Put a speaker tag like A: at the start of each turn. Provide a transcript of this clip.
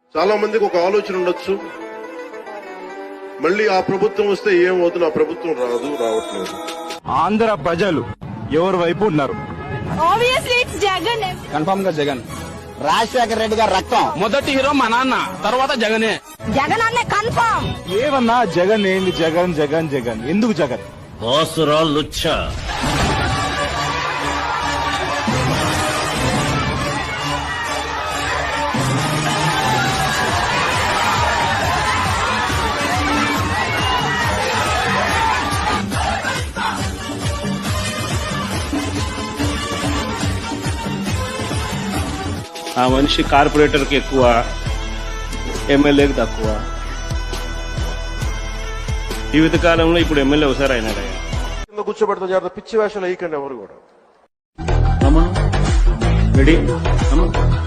A: చాలా మందికి ఒక ఆలోచన ఉండొచ్చు, మళ్ళీ ఆ ప్రభుత్వం వస్తే ఏమవుతుంది, ఆ ప్రభుత్వం రావట్లేదు.
B: ఆంధ్ర ప్రజలు ఎవరి వైపు ఉన్నారు?
C: Obviously it's Jagan.
B: కన్ఫర్మ్ గా జగన్.
D: రాజశేఖర రెడ్డి గారు రక్తం.
B: మొదటి హీరో మా నాన్న, తర్వాత జగనే.
C: జగన్ అనే కన్ఫర్మ్.
B: ఏమన్నా జగన్ ఏంది? జగన్ జగన్ జగన్ ఎందుకు జగన్?
E: బాసురా లుచ్చా.
F: ఆ మనిషి కార్పొరేటర్కి ఎక్కువ, ఎమ్మెల్యేకి తక్కువ. జీవితకాలంలో ఇప్పుడు ఎమ్మెల్యే ఒకసారి అయినాడు.
A: కింద కూర్చోబెడతా జాగ్రత్త, పిచ్చి వేషాలు వేయకండి ఎవరు కూడా.
F: రెడీ.